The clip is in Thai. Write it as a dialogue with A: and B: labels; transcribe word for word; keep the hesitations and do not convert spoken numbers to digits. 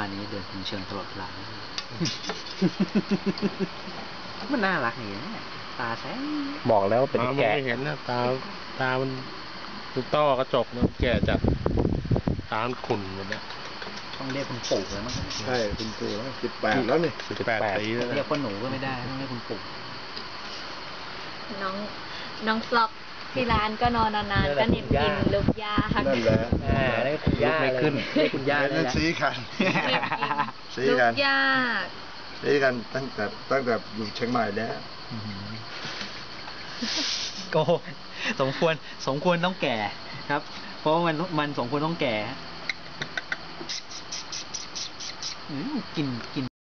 A: บ้านนี้เดินคุมเชิงตลอดเวลามันน่ารักอย่างนี้ตาแสง
B: บอกแล้วเป็นแกะ
C: ไม่เห็นนะตาตามันตุกต้อกระจกมันแก่จัดตามันขุ่นหมดแล้ว
A: ต้องเรียกคุณปู่เลยมั้ง
D: ใช่คุณปู่แล้วสิบแปดแล้วนี่
C: สิบแปดปีแล้ว
A: เรียกว่าหนูก็ไม่ได้ต้องเรียกคุณปู่
E: น้องน้องฟล็อกที่ร้านก็นอนนานๆก็เหน็บกินลูกยา
D: นั่นแหละ
B: อ่าได้คุณย่าไม่ขึ้นได้คุณย่า
D: นั่นซีกันซี
E: ลู
D: กัน
E: กยา
D: ซีกันตั้งแต่ตั้งแต่อยู่เชียงใหม่แล้ว
A: โกสมควรสมควรต้องแก่ครับ เพราะมันมันสมควรต้องแก่กินกิน